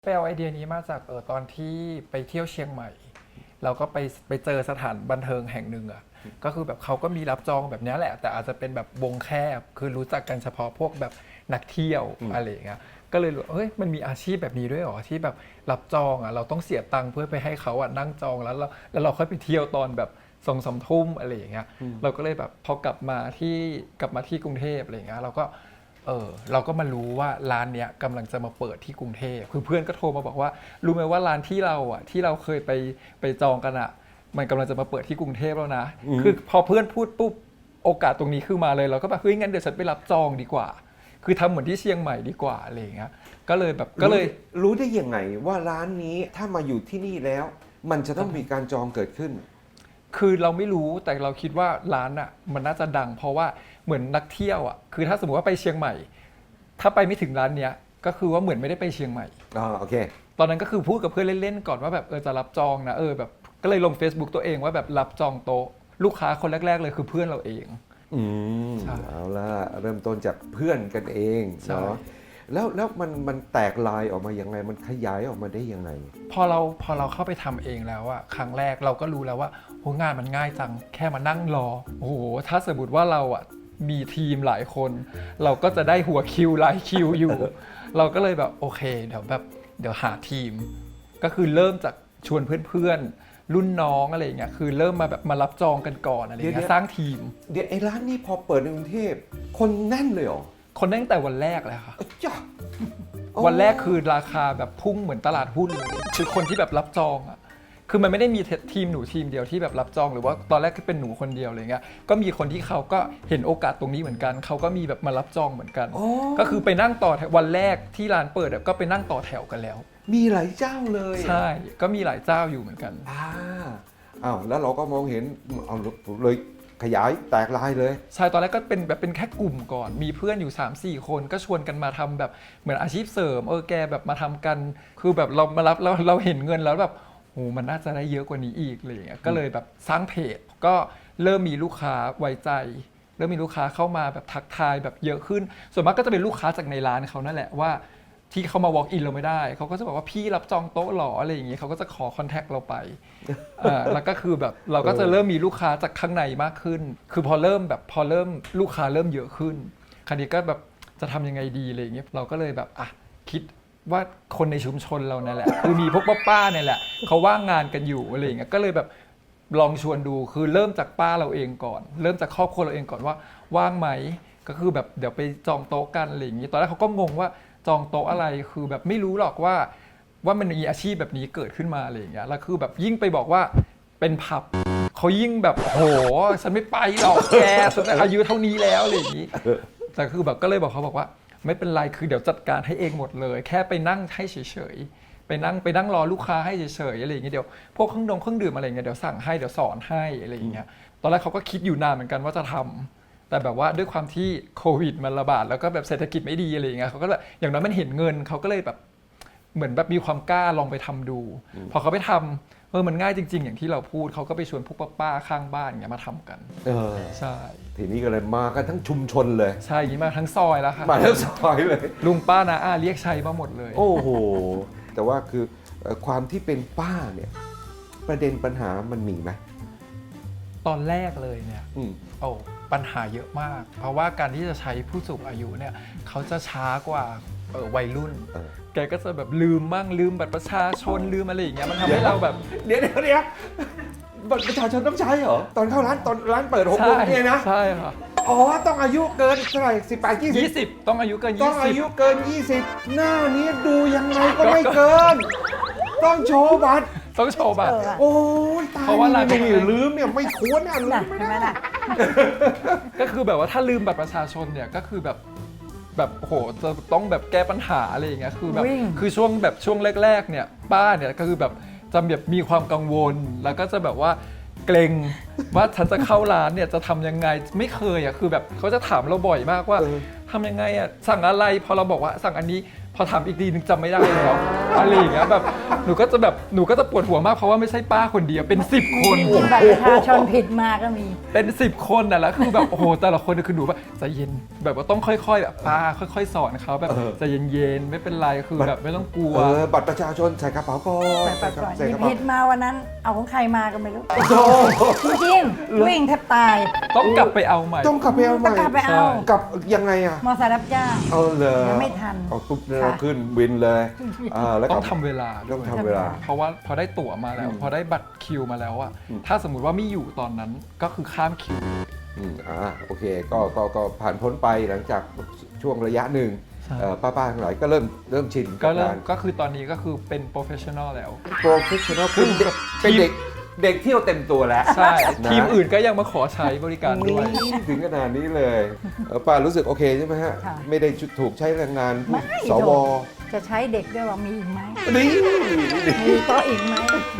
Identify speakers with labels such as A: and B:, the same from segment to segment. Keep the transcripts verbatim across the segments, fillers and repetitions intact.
A: ไปเอาไอเดียนี้มาจากเออตอนที่ไปเที่ยวเชียงใหม่เราก็ไปไปเจอสถานบันเทิงแห่งหนึ่งอ่ะก็คือแบบเขาก็มีรับจองแบบนี้แหละแต่อาจจะเป็นแบบวงแคบคือรู้จักกันเฉพาะพวกแบบนักเที่ยวอะไรอย่างเงี้ยก็เลยรู้เฮ้ยมันมีอาชีพแบบนี้ด้วยหรอที่แบบรับจองอ่ะเราต้องเสียตังค์เพื่อไปให้เขาอ่ะนั่งจองแล้วเราแล้วเราค่อยไปเที่ยวตอนแบบสองสามทุ่มอะไรอย่างเงี้ยเราก็เลยแบบพอกลับมาที่กลับมาที่กรุงเทพอะไรอย่างเงี้ยเราก็เออเราก็มารู้ว่าร้านเนี้ยกำลังจะมาเปิดที่กรุงเทพคือเพื่อนก็โทรมาบอกว่ารู้ไหมว่าร้านที่เราอ่ะที่เราเคยไปไปจองกันอ่ะมันกำลังจะมาเปิดที่กรุงเทพแล้วนะคือพอเพื่อนพูดปุ๊บโอกาสตรงนี้ขึ้นมาเลยเราก็แบบเฮ้ยงั้นเดี๋ยวฉันไปรับจองดีกว่าคือทำเหมือนที่เชียงใหม่ดีกว่าอะไรอย่างเงี้ยก็เลยแบบก็เลย
B: รู้ได้ยังไงว่าร้านนี้ถ้ามาอยู่ที่นี่แล้วมันจะต้องมีการจองเกิดขึ้น
A: คือเราไม่รู้แต่เราคิดว่าร้านอ่ะมันน่าจะดังเพราะว่าเหมือนนักเที่ยวอ่ะคือถ้าสมมติว่าไปเชียงใหม่ถ้าไปไม่ถึงร้านเนี้ยก็คือว่าเหมือนไม่ได้ไปเชียงใหม่
B: อ๋อโอเค
A: ตอนนั้นก็คือพูดกับเพื่อนเล่นๆก่อนว่าแบบเออจะรับจองนะเออแบบก็เลยลง Facebook ตัวเองว่าแบบรับจองโต๊ะลูกค้าคนแรกๆเลยคือเพื่อนเราเอง
B: อืมเอาละเริ่มต้นจากเพื่อนกันเองเนาะแล้วแล้วมันมันแตกลายออกมายังไงมันขยายออกมาได้ยังไง
A: พอเราพอเราเข้าไปทำเองแล้วอะครั้งแรกเราก็รู้แล้วว่าโหงานมันง่ายจังแค่มานั่งรอโอ้โหถ้าสมมติว่าเราอะมีทีมหลายคนเราก็จะได้หัวคิวหลายคิวอยู่ เราก็เลยแบบโอเคเดี๋ยวแบบเดี๋ยวหาทีมก็คือเริ่มจากชวนเพื่อนๆรุ่นน้องอะไรอย่างเงี้ยคือเริ่มมาแบบมารับจองกันก่อนอะไรอย่างเงี้ยสร้างทีม
B: เดี๋ยวไอ้ร้านนี้พอเปิดในกรุงเทพคนแน่นเลยเหรอ
A: คนตั้งแต่วันแรกเลยค่ะ
B: จ้ะ
A: วันแรกคือราคาแบบพุ่งเหมือนตลาดหุ้นเลยคือคนที่แบบรับจองอ่ะคือมันไม่ได้มีทีมหนูทีมเดียวที่แบบรับจองหรือว่าตอนแรกก็เป็นหนูคนเดียวอะไรเงี้ยก็มีคนที่เขาก็เห็นโอกาสตรงนี้เหมือนกันเขาก็มีแบบมารับจองเหมือนกันก็คือไปนั่งต่อวันแรกที่ร้านเปิดก็ไปนั่งต่อแถวกันแล้ว
B: มีหลายเจ้าเลย
A: ใช่ก็มีหลายเจ้าอยู่เหมือนกัน
B: อ่าอ้าวแล้วเราก็มองเห็นเอาเลยขยายแตกลายเลย
A: ใช่ตอนแรกก็เป็นแบบเป็นแค่กลุ่มก่อนมีเพื่อนอยู่ สามสี่ คนก็ชวนกันมาทำแบบเหมือนอาชีพเสริมเออแกแบบมาทำกันคือแบบเรามารับแล้วเราเห็นเงินแล้วแบบโอ้มันน่าจะได้เยอะกว่านี้อีกอะไรอย่างเงี้ยก็เลยแบบสร้างเพจก็เริ่มมีลูกค้าไว้ใจเริ่มมีลูกค้าเข้ามาแบบทักทายแบบเยอะขึ้นส่วนมากก็จะเป็นลูกค้าจากในร้านเขานั่นแหละว่าที่เขามา walk in เราไม่ได้เขาก็จะบอกว่าพี่รับจองโต๊ะหรออะไรอย่างเงี้ยเขาก็จะขอคอนแทคเราไปอ่าแล้วก็คือแบบเราก็จะเริ่มมีลูกค้าจากข้างในมากขึ้นคือพอเริ่มแบบพอเริ่มลูกค้าเริ่มเยอะขึ้นคราวนี้ก็แบบจะทำยังไงดีอะไรอย่างเงี้ยเราก็เลยแบบอ่ะคิดว่าคนในชุมชนเราเนี่ยแหละคือมีพวกป้าๆเนี่ยแหละเขาว่างงานกันอยู่อะไรอย่างเงี้ยก็เลยแบบลองชวนดูคือเริ่มจากป้าเราเองก่อนเริ่มจากครอบครัวเราเองก่อนว่าว่างไหมก็คือแบบเดี๋ยวไปจองโต๊ะกันอะไรอย่างงี้ตอนแรกเขาก็งงว่าจองโต๊ะอะไรคือแบบไม่รู้หรอกว่าว่ามันมีอาชีพแบบนี้เกิดขึ้นมาอะไรอย่างเงี้ยแล้วคือแบบยิ่งไปบอกว่าเป็นผับเขายิ่งแบบโหฉันไม่ไปหรอกแกฉันอายุเท่านี้แล้วอะไรอย่างงี้แต่คือแบบก็เลยบอกเขาบอกว่าไม่เป็นไรคือเดี๋ยวจัดการให้เองหมดเลยแค่ไปนั่งให้เฉยๆไปนั่งไปนั่งรอลูกค้าให้เฉยๆอะไรอย่างเงี้ยเดี๋ยวพวกเครื่องดองเครื่องดื่มอะไรเงี้ยเดี๋ยวสั่งให้เดี๋ยวสอนให้อะไรอย่างเงี้ยตอนแรกเขาก็คิดอยู่นานเหมือนกันว่าจะทำแต่แบบว่าด้วยความที่โควิดมันระบาดแล้วก็แบบเศรษฐกิจไม่ดีอะไรอย่างเงี้ยเขาก็แบบอย่างน้อยมันเห็นเงินเขาก็เลยแบบเหมือนแบบมีความกล้าลองไปทำดูพอเขาไปทำเออมันง่ายจริงๆอย่างที่เราพูดเขาก็ไปชวนพวกป้าๆข้างบ้านอย่างเงี้ยมาทำกัน
B: เออ
A: ใช่
B: ทีนี้ก็เลยมากันทั้งชุมชนเลย
A: ใช่อย่างนี้มาทั้งซอยแล้วค่ะ
B: มาทั้งซอยเลย
A: ลุงป้านาอาเรียกชัยมาหมดเลย
B: โอ้โหแต่ว่าคือความที่เป็นป้าเนี่ยประเด็นปัญหามันมีไหม
A: ตอนแรกเลยเนี่ยโอ้ปัญหาเยอะมากเพราะว่าการที่จะใช้ผู้สูงอายุเนี่ยเขาจะช้ากว่าวัยรุ่นแกก็จะแบบลืมมั่งลืมบัตรประชาชนลืมอะไรอย่างเงี้ยมันทำให้เราแบบ
B: เดี๋ยวเดี๋ยวเดี๋ยวบัตรประชาชนต้องใช้เหรอตอนเข้าร้านตอนร้านเปิดหกโมงเนี่ยนะ
A: ใช่ค่ะ
B: อ๋อต้องอายุเกินเท่าไหร่สิบแปดยี่สิบ
A: ยี่สิบต้องอายุเกินยี่สิบ
B: ต้องอายุเกินยี่สิบหน้านี้ดูยังไงก็ไม่เกินต้องโชว์บัตร
A: ต้องโชว์บัตร
B: โอ้ยตายเพราะว่าอะไรไม่ลืมเนี่ยไม่ควรเนี่ยลืมไม่ได้
A: ก็คือแบบว่าถ้าลืมบัตรประชาชนเนี่ยก็คือแบบแบบโหจะต้องแบบแก้ปัญหาอะไรอย่างเงี้ยคือแบบคือช่วงแบบช่วงแรกๆเนี่ยป้าเนี่ยก็คือแบบจะแบบมีความกังวลแล้วก็จะแบบว่าเกรงว่าฉันจะเข้าร้านเนี่ยจะทำยังไงไม่เคยอ่ะคือแบบเขาจะถามเราบ่อยมากว่าทำยังไงอ่ะสั่งอะไรพอเราบอกว่าสั่งอันนี้พอถามอีกทีนึงจำไม่ได้แล้วอะไรอย่างเงี้ยแบบหนูก็จะแบบหนูก็จะปวดหัวมากเพราะว่าไม่ใช่ป้าคนเดียวเป็นสิบคน
C: มีบัตรประชาชนผิดมาก็มี
A: เป็นสิบคนน่ะแล้วคือแบบโอ้โหแต่ละคนคือหนูแบบใจเย็นแบบว่าต้องค่อยๆแบบป้าค่อยๆ สอนเขาแบบใจเย็นๆไม่เป็นไรคือแบบไม่ต้องกลัว
B: เออบัตรประชาชนใส่กระเป๋าก่อน
C: ใส่บัตรก่อน
B: ใส่
C: มี
B: กระเป๋า
C: ผิดมาวันนั้น เอาของใครมาก็ไม่รู้
B: โอ้โห
C: จริงๆวิ่งแทบตาย
A: ต้องกลับไปเอาใหม่
B: ต้องกลับไปเอาให
C: ต้
B: ม่
C: องกลับไปเอา
B: กลับยังไงอ่ะ
C: มอไซค์รับจ้าง
B: เอาเลย
C: ยังไม่ทัน
B: เอาปุ๊บเนี่ย
C: ค่ะ
B: ขึ้นวินเลยอ่าแล้ว
A: ต้
B: ก็
A: องทำเวลาด้
B: ต้
A: ว
B: อง
A: ย
B: ทำเวลา
A: เพราะว่าพอได้ตั๋วมาแล้ว
B: อืม
A: พอได้บัตรคิวมาแล้วอะ
B: อืม
A: ถ้าสมมุติว่าไม่อยู่ตอนนั้นก็คือข้ามคิว
B: อืมอ่าโอเคก็ก็ก็ผ่านพ้นไปหลังจากช่วงระยะหนึ่ง
A: ใช่
B: เอ่อป้าๆทั้งหลายก็เริ่มเริ่มชิน
A: ก็เริ่ม
B: บาร
A: ก็คือตอนนี้ก็คือเป็นโปรเฟชชั่นอลแล้ว
B: โปรเฟชชั่นอลเป็นเด็ก
A: ทีม
B: เป็นเด็กเด็กเที่ยวเต็มตัวแล้ว
A: ใช่
B: นะ
A: ทีมอื่นก็ยังมาขอใช้บริการด้วย
B: นี่ถึงขนาดนี้เลยเอ่อป้ารู้สึกโอเคใช่ไหมฮะ
C: ค่ะ
B: ไม่ได้ถูกใช้แรงงาน
C: ไม่
B: สว
C: จะใช้เด็กด้วยว่ามีอีกไหม
B: นี่
C: มีโต๊ะอีกไหม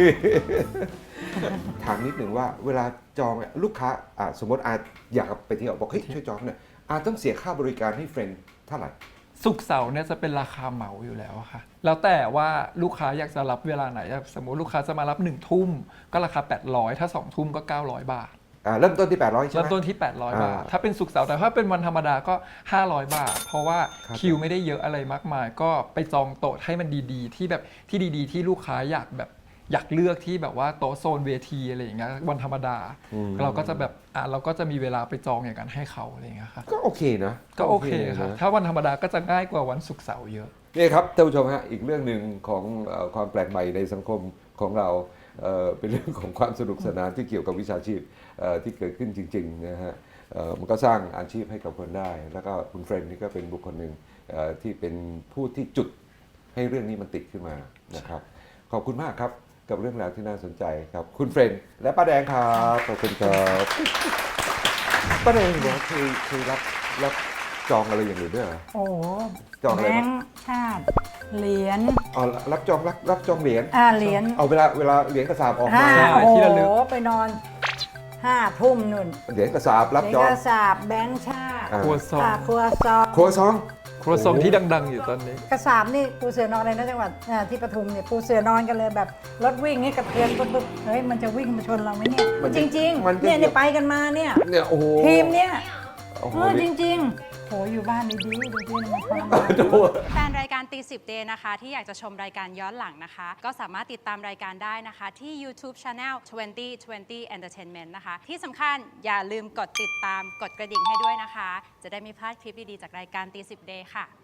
B: ถามนิดหนึ่งว่าเวลาจองเนี่ยลูกค้าอ่ะสมมติอาอยากไปเที่ยวบอกเฮ้ยช่วยจองหน่อยอาต้องเสียค่าบริการให้เฟรนด์เท่าไหร่
A: ศุกร์เสาร์เนี่ยจะเป็นราคาเหมาอยู่แล้วอะค่ะ แล้วแต่ว่าลูกค้าอยากจะรับเวลาไหน สมมุติลูกค้าจะมารับหนึ่งทุ่มก็ราคาแปดร้อยถ้าสองทุ่มก็เก้าร้อยบาท
B: อ่าเริ่มต้นที่แปดร้อยใช่ไหม
A: เริ่มต้นที่ แปดร้อย
B: อ่า
A: บาท ถ้าเป็นศุกร์เสาร์แต่ถ้าเป็นวันธรรมดาก็ ห้าร้อยบาท เพราะว่า
B: ครับ
A: คิวไม่ได้เยอะอะไรมากมาย ก็ไปจองโต๊ะให้มันดีๆ ที่แบบที่ดีๆ ที่ลูกค้าอยากแบบอยากเลือกที่แบบว่าโต๊ะโซนเวทีอะไรอย่างเงี้ยวันธรรมดา เราก็จะแบบอ่ะเราก็จะมีเวลาไปจองอย่างนั้นให้เขาอะไรอย่างเงี้ยค่ะ
B: ก็โอเคนะ
A: ก็โอเคค่ะ
B: นะ
A: ถ้าวันธรรมดาก็จะง่ายกว่าวันศุกร์เสาร์เยอะ
B: นี่ครับท่านผู้ชมฮะอีกเรื่องหนึ่งของเอ่อความแปลกใหม่ในสังคมของเราเอ่อเป็นเรื่องของความสนุกสนานที่เกี่ยวกับวิชาชีพเอ่อที่เกิดขึ้นจริงๆนะฮะเอ่อมันก็สร้างอาชีพให้กับคนได้ แล้วก็คุณเฟรนด์นี่ก็เป็นบุคคลหนึ่งเอ่อที่เป็นผู้ที่จุดให้เรื่องนี้มันติดขึ้นมานะครับขอบคุณมากครับกับเรื่องราวที่น่าสนใจครับคุณเฟรนด์และป้าแดงครับขอบคุณครับป้าแดงเนี่ยเคยเคยรับรับจองอะไรอย่างอื่นด้วยเหรอ
C: โอ้โห
B: จองอะไร
C: แบ
B: บ้าง
C: งค์ชาติ เหรียญ
B: อ๋อรับจองรับรับจองเหรียญ
C: อ่าเหรียญ
B: เอาเวลาเวลาเหรียญกระสาบออก
C: ห้า
B: มา
C: โอ้
A: ที่
C: โห
A: ระลึก
C: ไปนอนห้าทุ่มนุ่น
B: เหรียญกระสาบ
C: เห
B: รับ
C: รียญ
B: จอง
C: กระสาบแบงค์ชาติ
B: อ่า
A: ครัวซอง
C: อ่าครัวซอง
B: ครัวซอง
A: ครัวซองที่ดัง ๆ อยู่ตอนนี้
C: กระสาบนี่ปูเสือนอนเลยนะจังหวัดอ่าที่ปทุมเนี่ยปูเสือนอนกันเลยแบบรถวิ่งนี่กระเทือนปุ๊บปุ๊บเฮ้ยมันจะวิ่งมาชนเราไหมเนี่ย
B: มัน
C: จ
B: จะ
C: ริง
B: มัน
C: ๆ
B: จะ
C: เนี่ยเนี่ยไปกันมาเนี่ย
B: เนี่ยโอ้โห
C: ทีมเนี่ย
B: โอ้โห
C: เออจ
B: นี่
C: ริงๆโหอยู่บ้านดีๆดูดิมันทรมาน
B: ดู
D: แฟนรายการตีสิบเดย์นะคะ ที่อยากจะชมรายการย้อนหลังนะคะ ก็สามารถติดตามรายการได้นะคะ ที่ YouTube Channel ทเวนตี้ ทเวนตี้ Entertainment นะคะ ที่สำคัญอย่าลืมกดติดตามกดกระดิ่งให้ด้วยนะคะ จะได้ไม่พลาดคลิปดี ๆ จากรายการตีสิบเดย์ค่ะ